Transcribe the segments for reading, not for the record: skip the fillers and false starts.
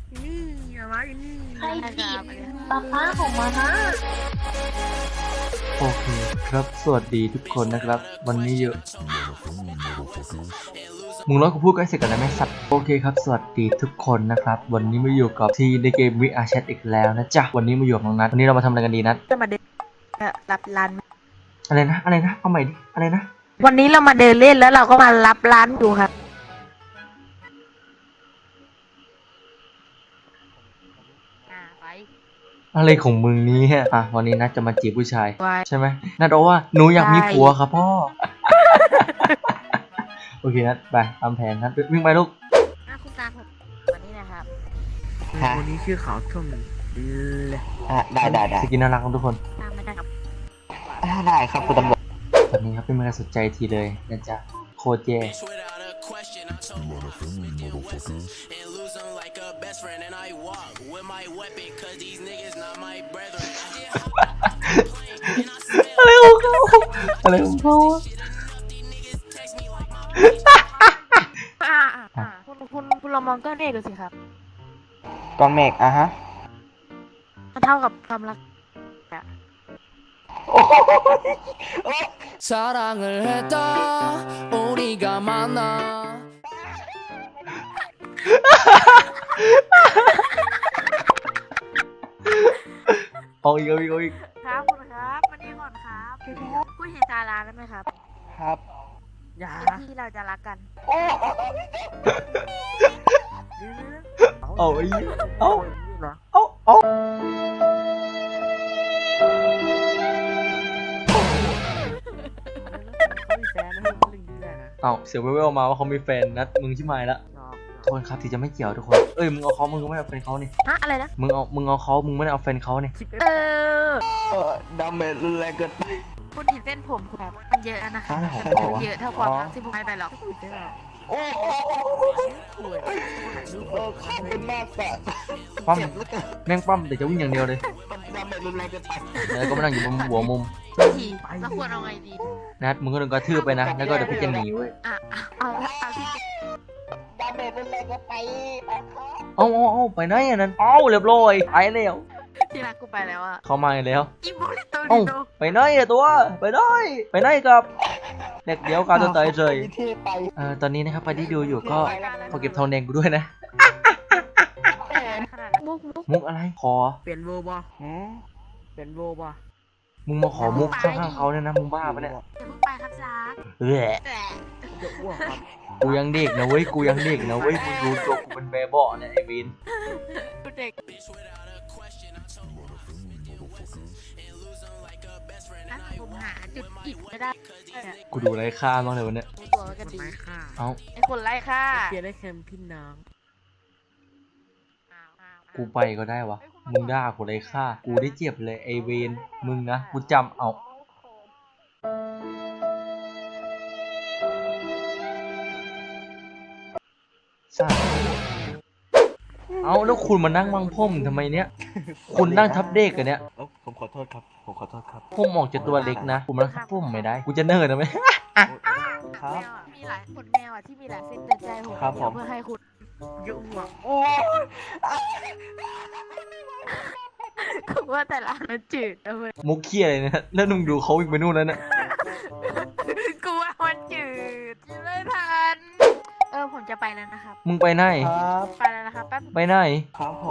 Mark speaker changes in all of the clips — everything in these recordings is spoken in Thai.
Speaker 1: นี่อย่ามาอยู่นี่
Speaker 2: ใครจีบป้าของมานะ
Speaker 3: โอเคครับสวัสดีทุกคนนะครับวันนี้อยู่มึงร้อยกูพูดกันเสร็จกันแล้วไหมสัตว์โอเคครับสวัสดีทุกคนนะครับวันนี้มาอยู่กับทีในเกม VR Chat อีกแล้วนะจ๊ะวันนี้มาอยู่กับน้องนัทวันนี้เรามาทำอะไรกันดีนัท
Speaker 1: จะมาเดินรับร้าน
Speaker 3: อะไรนะเอาใหม่ดิอะไรนะ
Speaker 1: วันนี้เรามาเดินเล่นแล้วเราก็มารับร้านดูครับไป
Speaker 3: อะไรของมึงนี้อ่ะวันนี้นัทจะมาจีบผู้ชาย
Speaker 1: ไว้
Speaker 3: ใช่ไหมนัทบอกว่าหนูอยากมีผัวครับพ่อ โอเคนัทไปตามแผนนัทวิ่งไปลูก
Speaker 1: คุณตาผมวันนี้นะครับ
Speaker 4: คนนี้ชื่อเขาทุ่มเลย
Speaker 5: ได้
Speaker 3: สกินน่ารักครับทุกคน
Speaker 1: ตามไม่ได้ครับ
Speaker 5: ได้ครับคุณตำรวจ
Speaker 3: ตอนนี้ครับไม่มีใครสนใจทีเลยนะจ๊ะโคตรแย่ อะไรของเขาอะไรของเขา
Speaker 1: คุณลองมองก้อนเมฆดูสิครับ
Speaker 5: กองเมฆฮะ
Speaker 1: มันเท่ากับความรักอะ
Speaker 6: 사랑을 했다 우리가 만나
Speaker 3: เอาอีก
Speaker 1: ครับคุณครับมานี่ก่อนครับพูดเห็นตาลาได้ไหมครับ
Speaker 5: ครับ
Speaker 4: อย่า
Speaker 1: ที่เราจะรักกัน
Speaker 3: เอาไอ้เอา
Speaker 4: เหรอ
Speaker 3: เอาเอาเสียงเว่วๆมาว่าเขามีแฟนนัดมึงชิบหายละทุกคนครับที่จะไม่เกี่ยวทุกคนเอ้ยมึงเอาเขามึงก็ไม่เอาแฟนเขานี่
Speaker 1: ฮะอะไรนะ
Speaker 3: มึงเอาเขามึงไม่ได้เอาแฟนเขานี่
Speaker 1: เออ
Speaker 5: ดาเมจรุนแรงเกินไป
Speaker 1: คุณเห็นเส้นผมครับมันเยอะนะคะ
Speaker 5: ฮะ
Speaker 1: มันไม่เยอะเท่าความรักที่ผมให้ไปหรอก
Speaker 5: โอ้ขอบคุณมากสัตว์
Speaker 3: ปั้ม
Speaker 5: เจ็บแล้วกัน
Speaker 3: แม่งปั้มแต่จะวิ่งอย่างเดียวเลย
Speaker 5: ดาเมจรุนแรงเกินไป
Speaker 3: แล้วก็มานั่งอยู่บนหัวมุม
Speaker 1: ทีแล้วควรเอาไงดี
Speaker 3: นัดมึงก็โดนกระทืบไปนะแล้วก็เดี๋ยวพี่จะหนีเว้ย
Speaker 1: อ่ะเอาที่
Speaker 5: ดาเมจรุนแรงเกินไปไปครับ
Speaker 3: เอาไปไหนอ่ะนั้นเอาเรียบร้อยไปแล้ว
Speaker 1: ที่รักกูไปแล้วอ่ะ
Speaker 3: เขามาอีกแล้ว
Speaker 1: อิโมลิโต
Speaker 3: เอ้า
Speaker 1: ริโต
Speaker 3: ไปไหนอะตัวไปไหนกับเด็กเดียวกันตัวตายเฉย
Speaker 5: มีที่ไป
Speaker 3: ตอนนี้นะครับใครที่ดูอยู่ก็ขอเก็บทองแดงกูด้วยนะ
Speaker 1: ขนาดนั้นมุก
Speaker 3: มุกอะไรขอ
Speaker 4: เปลี่ยนโวบอ
Speaker 5: หืม
Speaker 4: เปลี่ยนโวบอ
Speaker 3: มึงมาขอมุกข้างๆเขาเนี่ยนะมึงบ้าปะเนี่ย
Speaker 1: อย่าเพิ่งไปครับรัก
Speaker 3: เออ
Speaker 1: แต่
Speaker 4: จะอ้วกครับ
Speaker 3: กูยังเด็กนะเว้ยกูยังเด็กนะเว้ยมึงดูตัวกูเป็นแบบเบาะเนี่ยไอ้วิน
Speaker 1: ดูเด็กนะผมหาจุดอิดไม่ได้
Speaker 3: กูดูไร้ค่ามากเลยวันเนี้ย
Speaker 1: ในตัวก็ดี
Speaker 4: ไม้ค่ะ
Speaker 3: เอ้า
Speaker 1: ไอ้คนไล่ค่ะ
Speaker 4: เปลี่ยนได้แค่พี่น้อง
Speaker 3: กูไปก็ได้วะมึงด่ากูไร้ค่ากูได้เจ็บเลยไอ้เวนมึงนะกูจำเอาซ่าเอาแล้วคุณมานั่งบังพ่มทำไมเนี้ยคุณนั่งทับเด็กกันเนี้ย
Speaker 5: ผมขอโทษครับผมขอโทษครับ
Speaker 3: พ่มออกจากตัวเล็กนะผมนั่งทับพ่มไม่ได้กูจะเนิร์ดนะไหม
Speaker 5: ครับ
Speaker 1: มีหลายขนแมวอ่ะที่มีหลายเส้นเตือนใจผม
Speaker 5: ครับผม
Speaker 1: เพื่อให้คุณ
Speaker 4: ยุ่งว่ะ
Speaker 5: โอ้
Speaker 1: คือว่าแต่ละอันมันจืดนะเว้ย
Speaker 3: มุกเขี้ยอะไรเนี่ยแล้วนุ่งดูเขาวิ่งไปนู่นแล้วเนี่ย
Speaker 1: กูว่ามันจืดไม่ทันผมจะไปแล้วนะครับ
Speaker 3: มึงไปไหน
Speaker 5: ครับ
Speaker 1: ไปแล้วนะครับแป๊บ
Speaker 3: ไปไหน
Speaker 5: ครับผม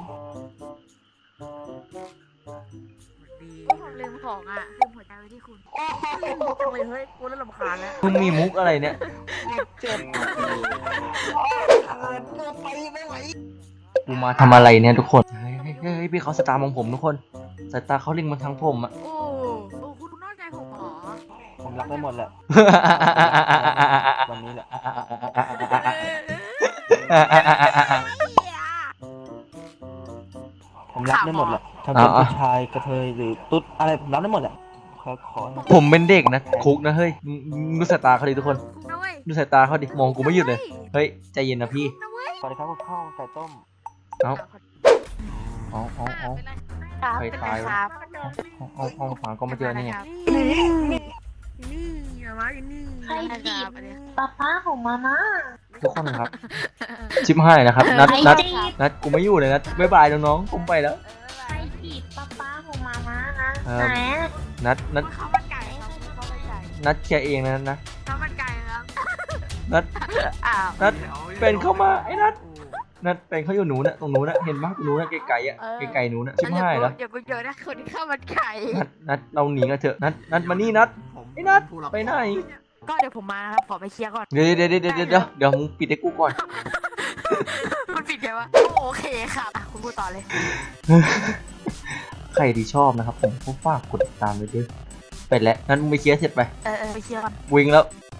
Speaker 4: ดี
Speaker 1: ผมลืมของอ่ะลืมหัวใจไว้ที่คุณลืมจังเลยเฮ้ยกูเริ่มรำคาญแล้ว
Speaker 3: มึงมีมุกอะไรเนี่ย
Speaker 5: เจ็บไปไม่ไหว
Speaker 3: กูมาทำอะไรเนี่ยทุกคนเฮ้ยพี่เขาสตาร์มองผมทุกคนสายตาเขาลิงมาทางผมอะ
Speaker 1: โอ้คุณนอกใจผมเหรอ
Speaker 5: ผมรักได้หมดแหละวันนี้แหละ ผมรับได้หมดแหละถ้าเป็นผู้ชายกระเทยหรือตุ๊ดอะไรผมรับได้หมดแหละขอ
Speaker 3: ผมเป็นเด็กนะคุกนะเฮ้ยมึงดูสายตาเขาดิทุกคน
Speaker 1: นะเว้ย
Speaker 3: ดูสายตาเขาดิมองกูไม่หยุดเลยเฮ้ยใจเย็นนะพี่
Speaker 1: นะเว้ย
Speaker 5: สวัสดีครับข้าวไก่ต้ม
Speaker 3: เอา
Speaker 1: ครับ
Speaker 3: ใคร
Speaker 1: เป็น
Speaker 3: ตาย
Speaker 1: ไง
Speaker 3: วะ
Speaker 1: ครับ
Speaker 3: เอาหาก็มาเจอเนี่ย
Speaker 1: นี่อย่ามาอยู่นี่
Speaker 2: ใครจีบป้าของมานะ
Speaker 3: ทุกคนครับชิปให้นะครับนัด
Speaker 2: ใคร
Speaker 3: นัด
Speaker 2: จีบ
Speaker 3: นัดกูไม่อยู่เลยนัดบ๊ายบายน้องๆผมไปแล้ว
Speaker 2: ไปจีบป๊าของมาม่านะ
Speaker 3: เออ
Speaker 2: ไหนอะ
Speaker 3: นัด
Speaker 1: ข้าวมันไก่ครับข้าวมันไก่
Speaker 3: นัดเคลียร์เองนะนะ
Speaker 1: ข้าวมันไก่ครับ
Speaker 3: นัด
Speaker 1: อ้าว
Speaker 3: นัดเป็นเข้ามาไอ้นัดเป็นเขาอยู่หนูน่ะตรงหนูน่ะเห็นปะหนูน่ะไกลๆอ่ะไกลๆหนูน่ะชิบหายแล้ว
Speaker 1: เดี๋ยวกูเจอนะคนที่ข้าวมันไก่
Speaker 3: นัดเราหนีกันเถอะนัดมานี่นัดไอ้นัดไปไหน
Speaker 1: ก็เดี๋ยวผมมานะครับขอไปเคลียร์ก่อน
Speaker 3: เดี๋ยวมึงปิดให้กูก่อน
Speaker 1: มันปิดไงวะโอเคครับอ่ะคุณพูดต่อเลย
Speaker 3: ใครที่ชอบนะครับผมก็ฝากกดติดตามไว้ด้วยไปแล้วนั้นมึงไปเคลียร์เสร็จไป
Speaker 1: ไปเคลียร์ก่อน
Speaker 3: วิ่งแล้ว